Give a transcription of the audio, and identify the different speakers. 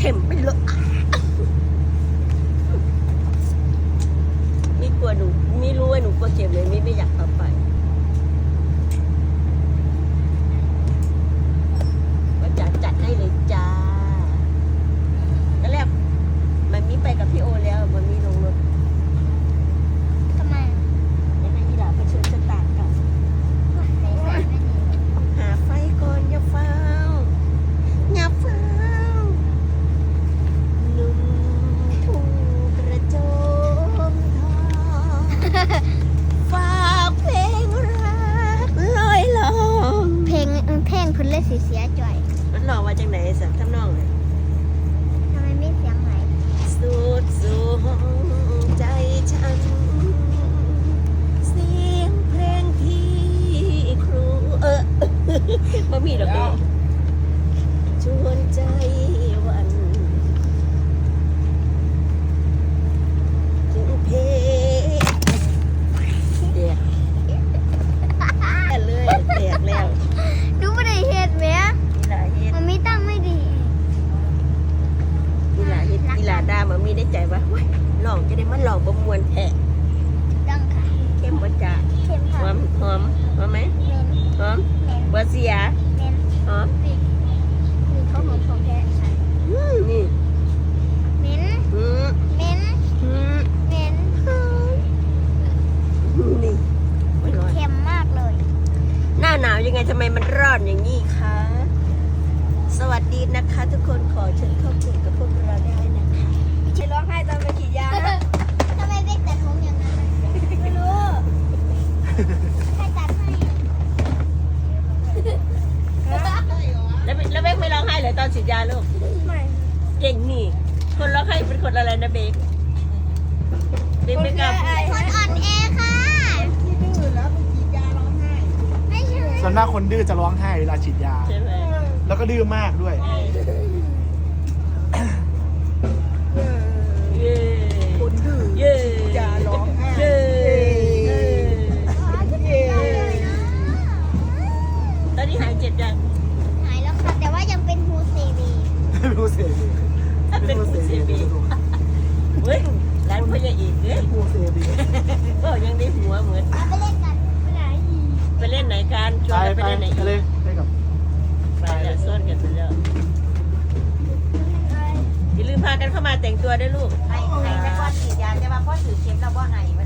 Speaker 1: ข็มไปเลยไม่กลัวหนูไม่รู้ว่าหนูกลัวเข็มเลยไม่อยากเข้าไปก็จัดให้เลยจ้าแล้วแรกมันมีไปกับพี่โอแล้วมันมีลงรถ
Speaker 2: ทำไม
Speaker 1: ยังไงอีหล่าไปเชิญสตาร์ทกันหาไฟก่อนอย่าเฝ้าอย่าเฝ้าหนุ่มทุ่งกระโจมทองฝากเพลงรักลอยลอง
Speaker 2: เพลงเพิ่นเลยสิเสียจ่อย
Speaker 1: มันหลอกมาจากไหนสักทำนองเลย
Speaker 2: ทำไมไม่เสียงไหล
Speaker 1: สุดสูงใจฉันเสียงเพลงที่ครูบ่มีดอกเบี้ยชวนใจวันถึงเพลงเดียเลยแตกแล้ว
Speaker 2: ดูไม่ได้เฮ็ดแหม
Speaker 1: อีหลาเฮ็ด
Speaker 2: มันไม่ตั้งไม่ดี
Speaker 1: อีหลาเฮ็ดอีหลาดามันมีได้ใจว่าเฮ้ยลองจะได้มันลองบ่มวนแท้
Speaker 2: ตั้งค่ะ
Speaker 1: เข้มบ่จ้า
Speaker 2: เข้ม
Speaker 1: ห
Speaker 2: ค่ะ
Speaker 1: อมหอมหอมไหม
Speaker 2: เมน
Speaker 1: หอม
Speaker 2: เมน
Speaker 1: บ่เสีย
Speaker 2: เมน
Speaker 1: หอม
Speaker 2: นี่เขาหอมของแท้ค่ะ
Speaker 1: นี่
Speaker 2: เมน
Speaker 1: อืม
Speaker 2: เมน
Speaker 1: อืม
Speaker 2: เมน
Speaker 1: นี่ไม่ร้อน
Speaker 2: เค็มมากเลย
Speaker 1: หน้าหนาวยังไงทำไมมันร้อนอย่างนี้คะ สวัสดีนะคะทุกคนขอเชิญเข้ากลุ่มกับพวกเราได้นะคะไม่ร้องไห้ตอนไปฉีดยานะ
Speaker 2: ทำไมเบ๊กตัดผมอย่างนั้นน่ะ
Speaker 1: ไม่รู้
Speaker 2: ใครตัดให้
Speaker 1: แล้วเบกไม่ร้องไห้เลยตอนฉีดยาลูก
Speaker 2: ไม่
Speaker 1: เก่งนี่ คนร้องไห้เป็นคนอะไรนะเบกเบกไม่กล้าพูด
Speaker 2: คนอ่อนแอค่ะไม่ใช่
Speaker 3: ส่วนมากคนดื้อจะร้องไห้เวลาฉีดยา
Speaker 1: ใช่ไหม
Speaker 3: แล้วก็ดื้อมากด้วย
Speaker 1: เย้
Speaker 3: คนดื้อ
Speaker 1: เย้
Speaker 3: อย่าร้องไห้
Speaker 1: เย้ตอนนี้หายเจ็บยัง
Speaker 2: หายแล้วค่ะ แต่ว่ายังเป็นฮูซีบี
Speaker 3: ไม่รู้เสียดี
Speaker 1: ถ้าเป็นผู้เสียบีเฮ้ยร้านพ่อใหญ่อีกเฮ้ย
Speaker 3: ผู้เสียดี
Speaker 1: ก็ยังได้หัวเหมือน
Speaker 2: เอาไปเล่นกันไปไหน
Speaker 1: ไปเล่นไหนกันชวนกันไปเล่นไหนอีก
Speaker 3: เลย ไปกับ
Speaker 1: ไปแล้วซ่อนกันไปแล้วอย่าลืมพากันเข้ามาแต่งตัวด้วยลูก
Speaker 4: ให้แต่ก่อนฉีดยาแต่ว่าพ่อถือเข็มเราบ่ให้มัน